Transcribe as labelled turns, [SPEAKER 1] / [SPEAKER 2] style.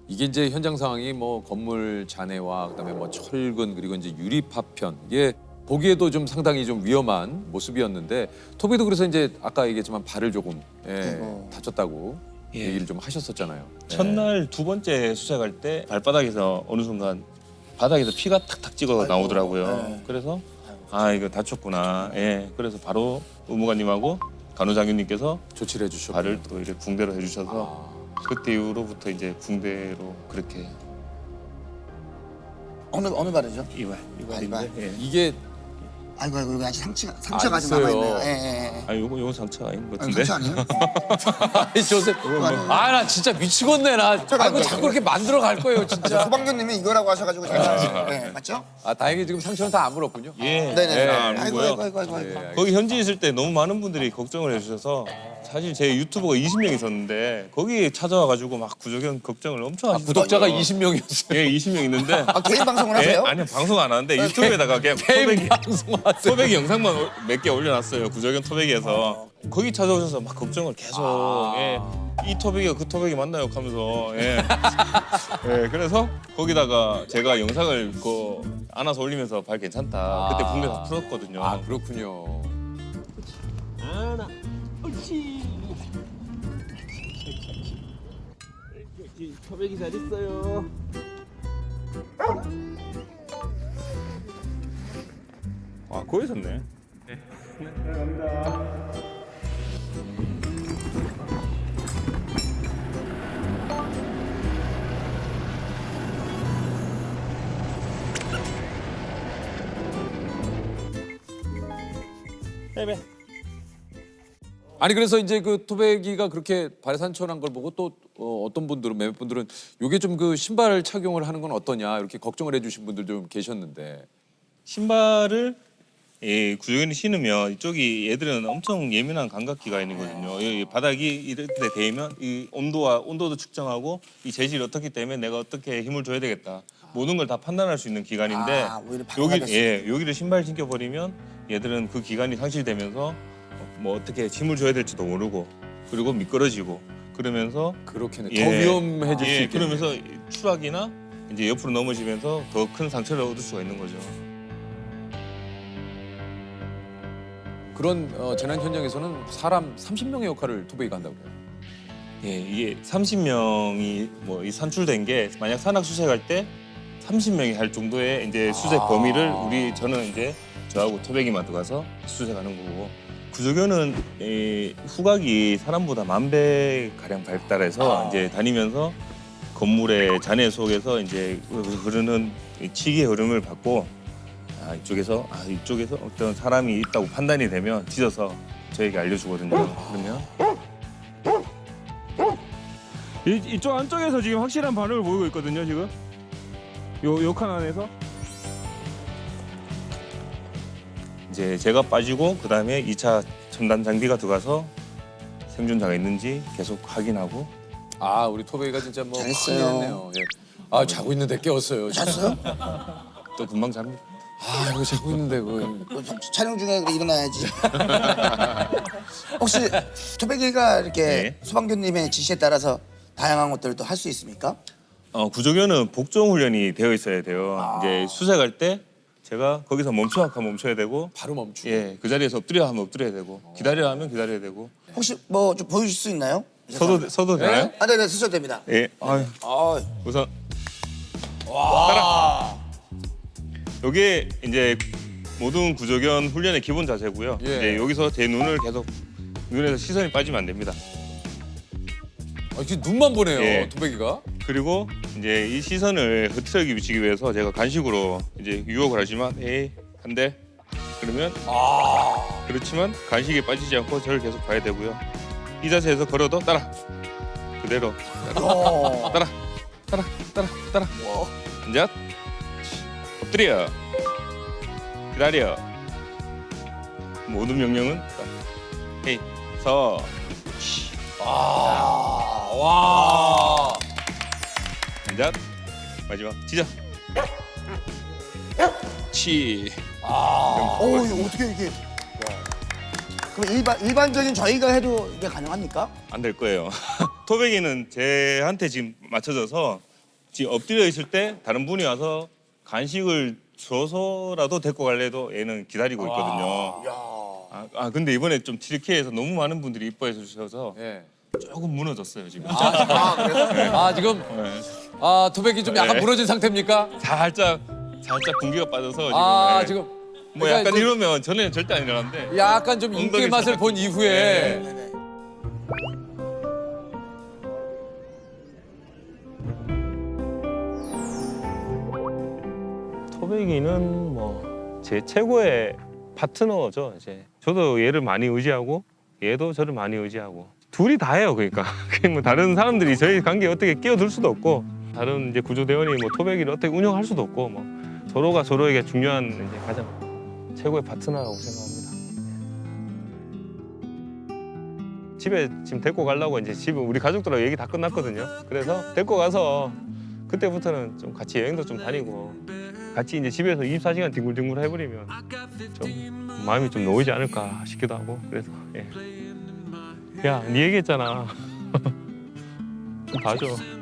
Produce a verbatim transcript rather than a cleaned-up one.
[SPEAKER 1] 이게 이제 현장 상황이 뭐 건물 잔해와 그다음에 뭐 철근 그리고 이제 유리 파편 이게 보기에도 좀 상당히 좀 위험한 모습이었는데 토비도 그래서 이제 아까 얘기했지만 발을 조금 예,
[SPEAKER 2] 아이고.
[SPEAKER 1] 다쳤다고
[SPEAKER 3] 예.
[SPEAKER 1] 얘기를 좀 하셨었잖아요. 예.
[SPEAKER 3] 첫날 두 번째 수색할 때 발바닥에서 어느 순간 바닥에서 피가 탁탁 찍어 나오더라고요.
[SPEAKER 2] 네.
[SPEAKER 3] 그래서 아 이거 다쳤구나. 예. 그래서 바로 의무관님하고 간호장교님께서
[SPEAKER 1] 조치를 해주셨고
[SPEAKER 3] 발을 또 이렇게 붕대로 해주셔서
[SPEAKER 1] 아,
[SPEAKER 3] 그때 이후로부터 이제 붕대로 그렇게
[SPEAKER 2] 어느 어느 발이죠?
[SPEAKER 3] 이발
[SPEAKER 2] 이발.
[SPEAKER 3] 이발인데. 예.
[SPEAKER 1] 이게
[SPEAKER 2] 아이고 아이고 여기 아직 상처가 상처가
[SPEAKER 1] 아,
[SPEAKER 2] 아직 남아
[SPEAKER 1] 있어요.
[SPEAKER 2] 있네요. 예, 예, 예.
[SPEAKER 3] 아 요거 요거 상처가 아닌 것
[SPEAKER 2] 아니,
[SPEAKER 3] 같은데.
[SPEAKER 2] 상처 아니에요?
[SPEAKER 1] 아니 조셉 아 나 진짜 미치겠네 나 아이고
[SPEAKER 2] 잠깐만요.
[SPEAKER 1] 자꾸 이렇게 만들어 갈 거예요 진짜.
[SPEAKER 2] 소방교님이 이거라고 하셔가지고 제가 네, 맞죠?
[SPEAKER 1] 아 다행히 지금 상처는 다 안 물었군요.
[SPEAKER 3] 예.
[SPEAKER 2] 네네.
[SPEAKER 1] 예,
[SPEAKER 3] 안
[SPEAKER 2] 아이고
[SPEAKER 3] 보고요.
[SPEAKER 2] 아이고 아이고 아이고. 아이고.
[SPEAKER 1] 예,
[SPEAKER 3] 거기 현지에 있을 때 너무 많은 분들이 걱정을 해주셔서 사실 제 유튜버가 이십 명 있었는데 거기 찾아와가지고 막 구조견 걱정을 엄청
[SPEAKER 1] 아,
[SPEAKER 3] 하시더라고요.
[SPEAKER 1] 구독자가 이십 명이었어요.
[SPEAKER 3] 예, 이십 명 있는데
[SPEAKER 2] 아 개인 방송을
[SPEAKER 3] 예?
[SPEAKER 2] 하세요?
[SPEAKER 3] 아니요, 방송 안 하는데 유튜브에다가 그냥
[SPEAKER 1] 개인
[SPEAKER 3] 토백이,
[SPEAKER 1] 방송하세요.
[SPEAKER 3] 토백이 영상만 몇 개 올려놨어요. 구조견 토백이에서 거기 찾아오셔서 막 걱정을 계속
[SPEAKER 1] 아.
[SPEAKER 3] 예. 이 토백이가 그 토백이 맞나요? 하면서 예. 예, 그래서 거기다가 제가 영상을 그 안아서 올리면서 발 괜찮다. 그때
[SPEAKER 1] 아.
[SPEAKER 3] 붕대 다 풀었거든요.
[SPEAKER 1] 아 그렇군요.
[SPEAKER 4] 하나, 옳지. 옳지. 토백이 잘 있어요.
[SPEAKER 3] 아, 거기 있었네.
[SPEAKER 4] 베베.
[SPEAKER 1] 아니 그래서 이제 그 토백이가 그렇게 발에 상처 난 걸 보고 또 어, 어떤 분들은 몇몇 분들은 요게 좀 그 신발 착용을 하는 건 어떠냐 이렇게 걱정을 해주신 분들도 좀 계셨는데
[SPEAKER 3] 신발을 예, 구조견이 신으면 이쪽이 얘들은 엄청 예민한 감각기가 있거든요. 이 바닥이 이렇게 되면 이 온도와 온도도 측정하고 이 재질이 어떻기 때문에 내가 어떻게 힘을 줘야 되겠다. 모든 걸 다 판단할 수 있는 기관인데
[SPEAKER 2] 아, 오히려 방어가
[SPEAKER 3] 여기
[SPEAKER 2] 됐을
[SPEAKER 3] 예, 여기를 신발 신겨 버리면 얘들은 그 기관이 상실되면서 뭐 어떻게 힘을 줘야 될지도 모르고 그리고 미끄러지고 그러면서
[SPEAKER 1] 그렇게는
[SPEAKER 3] 예,
[SPEAKER 1] 더 위험해질 수
[SPEAKER 3] 예,
[SPEAKER 1] 있겠네요.
[SPEAKER 3] 그러면서 추락이나 이제 옆으로 넘어지면서 더 큰 상처를 얻을 수가 있는 거죠.
[SPEAKER 1] 그런 어, 재난 현장에서는 사람 삼십 명의 역할을 토백이가 한다고 그래요.
[SPEAKER 3] 예, 이게 삼십 명이 뭐 이 산출된 게 만약 산악 수색할 때 삼십 명이 할 정도의 이제 수색
[SPEAKER 1] 아.
[SPEAKER 3] 범위를 우리 저는 이제 저하고 토백이만 들어가서 수색하는 거고 구조견은 이 후각이 사람보다 만 배 가량 발달해서
[SPEAKER 1] 아.
[SPEAKER 3] 이제 다니면서 건물의 잔해 속에서 이제 흐르는 이 치기의 흐름을 받고 아 이쪽에서 아 이쪽에서 어떤 사람이 있다고 판단이 되면 짖어서 저에게 알려주거든요. 그러면
[SPEAKER 4] 이, 이쪽 안쪽에서 지금 확실한 반응을 보이고 있거든요. 지금 요 요 칸 안에서.
[SPEAKER 3] 이제 제가 빠지고 그 다음에 이 차 첨단 장비가 들어가서 생존자가 있는지 계속 확인하고
[SPEAKER 1] 아 우리 토백이가 진짜 뭐
[SPEAKER 2] 잘했어요.
[SPEAKER 1] 큰일 했네요. 예. 아 자고 있는데 깨웠어요.
[SPEAKER 2] 잤어요?
[SPEAKER 3] 또 금방 잡니다.
[SPEAKER 1] 아 이거 자고 있는데 그
[SPEAKER 2] 뭐, 촬영 중에 그래 일어나야지. 혹시 토백이가 이렇게
[SPEAKER 3] 네.
[SPEAKER 2] 소방교님의 지시에 따라서 다양한 것들을 또 할 수 있습니까?
[SPEAKER 3] 어, 구조견은 복종 훈련이 되어 있어야 돼요.
[SPEAKER 2] 아.
[SPEAKER 3] 이제 수색할 때 제가 거기서 멈춰 하면 멈춰야 되고
[SPEAKER 1] 바로 멈추고.
[SPEAKER 3] 예, 그 자리에서 엎드려 하면 엎드려야 되고 기다려 하면 기다려야 되고
[SPEAKER 2] 혹시 뭐 좀 보여줄 수 있나요?
[SPEAKER 3] 서도 서도
[SPEAKER 1] 네?
[SPEAKER 3] 되나요?
[SPEAKER 2] 아, 네네 쓰셔도 됩니다.
[SPEAKER 3] 예. 아유,
[SPEAKER 2] 아,
[SPEAKER 3] 우선 따라. 요게 이제 모든 구조견 훈련의 기본 자세고요.
[SPEAKER 1] 예.
[SPEAKER 3] 이제 여기서 제 눈을 계속 눈에서 시선이 빠지면 안 됩니다.
[SPEAKER 1] 아, 지금 눈만 보네요.
[SPEAKER 3] 예.
[SPEAKER 1] 토백이가.
[SPEAKER 3] 그리고 이제 이 시선을 흐트러기 비치기 위해서 제가 간식으로 이제 유혹을 하지만 에이 한대 그러면
[SPEAKER 1] 아
[SPEAKER 3] 그렇지만 간식에 빠지지 않고 저를 계속 봐야 되고요. 이 자세에서 걸어도 따라 그대로
[SPEAKER 2] 어.
[SPEAKER 3] 따라 따라 따라 따라 이제 엎드려 기다려 모든 명령은 헤이 서
[SPEAKER 1] 아, 와.
[SPEAKER 3] 이제 마지막 지져 치
[SPEAKER 1] 아.
[SPEAKER 2] 오, 이거 어떻게 이게? 그럼 일반 일반적인 저희가 해도 이게 가능합니까?
[SPEAKER 3] 안 될 거예요. 토백이는 제한테 지금 맞춰져서 지금 엎드려 있을 때 다른 분이 와서 간식을 줘서라도 데리고 갈래도 얘는 기다리고 있거든요. 아, 아 근데 이번에 좀 튀르키예에서 너무 많은 분들이 이뻐해 주셔서
[SPEAKER 1] 예.
[SPEAKER 3] 조금 무너졌어요 지금.
[SPEAKER 2] 아, 그래서?
[SPEAKER 1] 아 지금
[SPEAKER 3] 네.
[SPEAKER 1] 아 토백이 좀 약간
[SPEAKER 3] 네.
[SPEAKER 1] 무너진 상태입니까?
[SPEAKER 3] 살짝 살짝 분기가 빠져서 지금.
[SPEAKER 1] 아
[SPEAKER 3] 네.
[SPEAKER 1] 지금
[SPEAKER 3] 뭐
[SPEAKER 1] 그러니까
[SPEAKER 3] 약간
[SPEAKER 1] 좀
[SPEAKER 3] 이러면 전에는 절대 안 일어났는데.
[SPEAKER 1] 약간 좀 인기의
[SPEAKER 3] 엉덩이
[SPEAKER 1] 맛을
[SPEAKER 3] 살짝
[SPEAKER 1] 본 이후에
[SPEAKER 3] 네.
[SPEAKER 2] 네네.
[SPEAKER 4] 토백이는 뭐 제 최고의 파트너죠. 이제 저도 얘를 많이 의지하고 얘도 저를 많이 의지하고 둘이 다 해요. 그러니까 그게 뭐 다른 사람들이 저희 관계에 어떻게 끼어들 수도 없고 다른 이제 구조대원이 뭐 토백이를 어떻게 운영할 수도 없고 뭐 서로가 서로에게 중요한 이제 가장 최고의 파트너라고 생각합니다. 집에 지금 데리고 가려고 이제 집에 우리 가족들하고 얘기 다 끝났거든요. 그래서 데리고 가서 그때부터는 좀 같이 여행도 좀 다니고 같이 이제 집에서 이십사 시간 뒹굴뒹굴 해버리면 좀 마음이 좀 놓이지 않을까 싶기도 하고 그래서 예. 야, 네 얘기했잖아. 좀 봐줘.